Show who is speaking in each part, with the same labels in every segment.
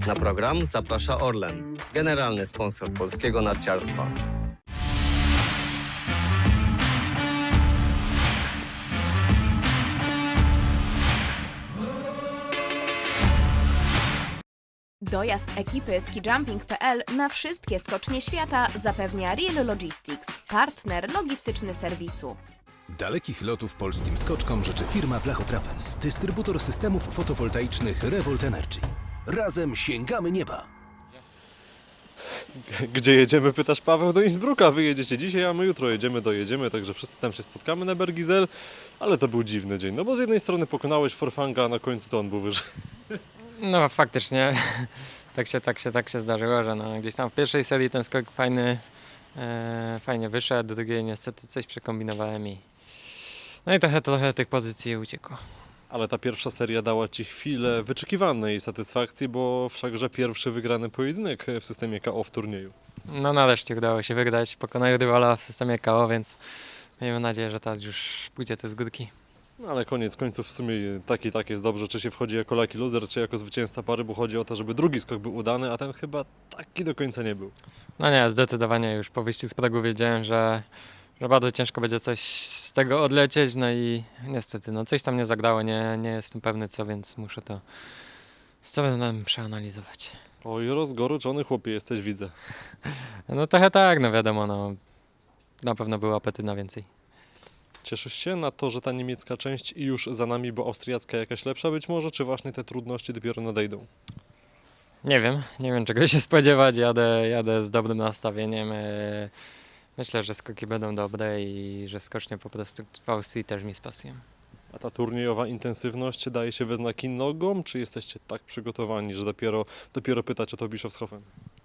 Speaker 1: Na program zaprasza Orlen, generalny sponsor polskiego narciarstwa.
Speaker 2: Dojazd ekipy skijumping.pl na wszystkie skocznie świata zapewnia Real Logistics, partner logistyczny serwisu.
Speaker 3: Dalekich lotów polskim skoczkom życzy firma Blachotrapez, dystrybutor systemów fotowoltaicznych Revolt Energy. Razem sięgamy nieba!
Speaker 4: Gdzie jedziemy, pytasz Paweł? Do Innsbrucka. Wy jedziecie dzisiaj, a my jutro dojedziemy, także wszyscy tam się spotkamy na Bergizel, ale to był dziwny dzień, no bo z jednej strony pokonałeś Forfanga, a na końcu to on był wyżej.
Speaker 5: No faktycznie, tak się zdarzyło, że no, gdzieś tam w pierwszej serii ten skok fajnie wyszedł, do drugiej niestety coś przekombinowałem no i trochę tych pozycji uciekło.
Speaker 4: Ale ta pierwsza seria dała Ci chwilę wyczekiwanej satysfakcji, bo wszakże pierwszy wygrany pojedynek w systemie KO w turnieju.
Speaker 5: No nareszcie udało się wygrać, pokonać rywala w systemie KO, więc miejmy nadzieję, że teraz już pójdzie to z górki.
Speaker 4: No ale koniec końców w sumie tak jest dobrze, czy się wchodzi jako lucky loser, czy jako zwycięzca pary, bo chodzi o to, żeby drugi skok był udany, a ten chyba taki do końca nie był.
Speaker 5: No nie, zdecydowanie już po wyjściu z progu wiedziałem, że bardzo ciężko będzie coś z tego odlecieć, no i niestety, no coś tam nie zagrało, nie jestem pewny co, więc muszę to z całym przeanalizować.
Speaker 4: Oj, rozgoryczony chłopie jesteś, widzę.
Speaker 5: No trochę tak, no wiadomo, no na pewno był apetyt na więcej.
Speaker 4: Cieszysz się na to, że ta niemiecka część już za nami, bo austriacka jakaś lepsza być może, czy właśnie te trudności dopiero nadejdą?
Speaker 5: Nie wiem czego się spodziewać, jadę z dobrym nastawieniem. Myślę, że skoki będą dobre i że skocznie po prostu w Austrii też mi spasują.
Speaker 4: A ta turniejowa intensywność daje się we znaki nogom, czy jesteście tak przygotowani, że dopiero pytać o to Bischofshofen?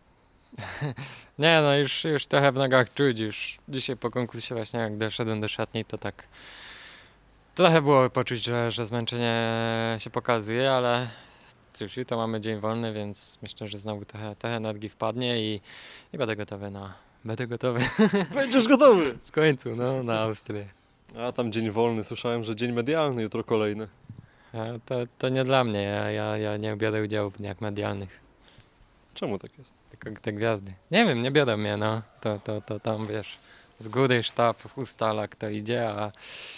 Speaker 5: Nie, no już trochę w nogach czuć, już dzisiaj po konkursie właśnie jak doszedłem do szatni, to tak trochę było poczuć, że zmęczenie się pokazuje, ale cóż, jutro mamy dzień wolny, więc myślę, że znowu trochę energii wpadnie i będę gotowy Będę gotowy
Speaker 4: Będziesz gotowy!
Speaker 5: w końcu, no, na Austrię.
Speaker 4: A tam dzień wolny, słyszałem, że dzień medialny, jutro kolejny.
Speaker 5: To nie dla mnie, ja nie biorę udziału w dniach medialnych,
Speaker 4: Czemu tak jest?
Speaker 5: tylko te gwiazdy. Nie wiem, nie biorą mnie, no, to tam wiesz, z góry sztab ustala kto idzie, a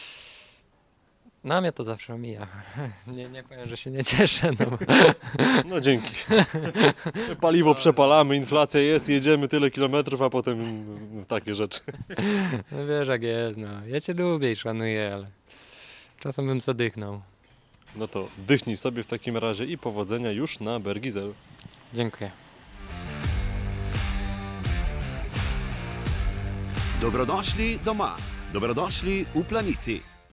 Speaker 5: na mnie to zawsze omija. Nie powiem, że się nie cieszę, no bo
Speaker 4: No dzięki. Paliwo przepalamy, inflacja jest, jedziemy tyle kilometrów, a potem takie rzeczy.
Speaker 5: no wiesz jak jest, no. Ja cię lubię i szanuję, ale czasem bym zadychnął.
Speaker 4: No to dychnij sobie w takim razie i powodzenia już na Bergizel.
Speaker 5: Dziękuję.
Speaker 6: Dobrodošli doma, dobrodošli v Planici.